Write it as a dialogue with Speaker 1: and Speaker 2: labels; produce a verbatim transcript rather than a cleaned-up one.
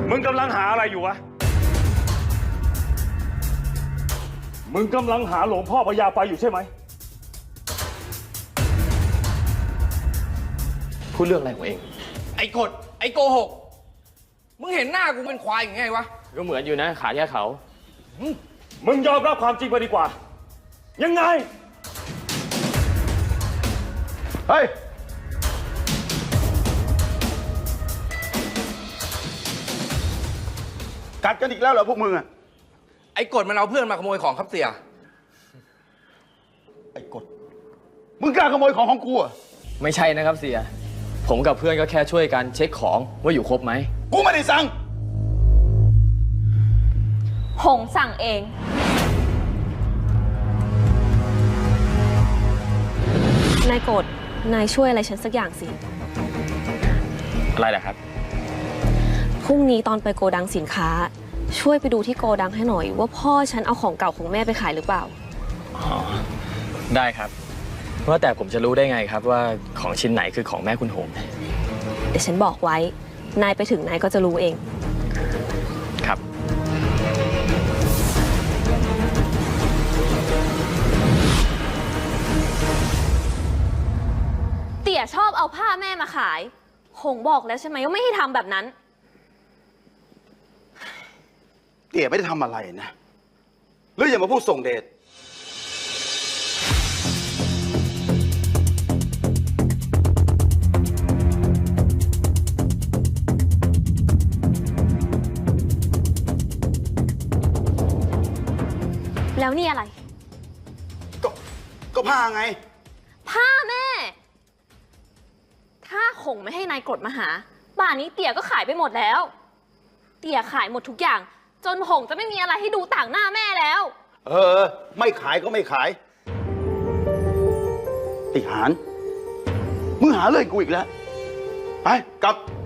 Speaker 1: มึงกำลังหาอะไรอยู่วะมึงกำลังหาหลวงพ่อพญาไฟอยู่ใช่ไหม
Speaker 2: พูดเรื่องอะไรของเอง
Speaker 3: ไอ้กดไอ้โกหกมึงเห็นหน้ากูเป็นควายอย่างไงวะ
Speaker 2: ก็เหมือนอยู่นะขาแค่เขา
Speaker 1: มึงยอมรับความจริงไปดีกว่ายังไง
Speaker 4: เฮ้ยกัดกันอีกแล้วเหรอพวกมึงอะ
Speaker 3: ไอ้กดมันเอาเพื่อนมาขโมยของครับเสีย
Speaker 4: ไอ้กดมึงกล้าขโมยของของกูอะ
Speaker 2: ไม่ใช่นะครับเสียผมกับเพื่อนก็แค่ช่วยกันเช็คของว่าอยู่ครบไหม
Speaker 4: กูไม่ได้สั่ง
Speaker 5: หงสั่งเองนายโกรธนายช่วยอะไรฉันสักอย่างสิ
Speaker 2: อะไรล่ะครับ
Speaker 5: พรุ่งนี้ตอนไปโกดังสินค้าช่วยไปดูที่โกดังให้หน่อยว่าพ่อฉันเอาของเก่าของแม่ไปขายหรือเปล่า
Speaker 2: อ๋อได้ครับว่าแต่ผมจะรู้ได้ไงครับว่าของชิ้นไหนคือของแม่คุณหง
Speaker 5: เดี๋ยวฉันบอกไว้นายไปถึงนายก็จะรู้เอง
Speaker 2: ครับ
Speaker 5: เตี่ยชอบเอาผ้าแม่มาขายหงบอกแล้วใช่ไหมว่าไม่ให้ทำแบบนั้น
Speaker 4: เตี่ยไม่ได้ทำอะไรนะหรืออย่ามาพูดส่งเดช
Speaker 5: แล้วนี่อะไร
Speaker 4: ก็ก็ผ้าไง
Speaker 5: ผ้าแม่ถ้าหงไม่ให้นายกรดมาหาป่านนี้เตี่ยก็ขายไปหมดแล้วเตี่ยขายหมดทุกอย่างจนหงจะไม่มีอะไรให้ดูต่างหน้าแม่แล้ว
Speaker 4: เออไม่ขายก็ไม่ขายไอ้หานมึงหาเรื่องกูอีกแล้วไปกลับ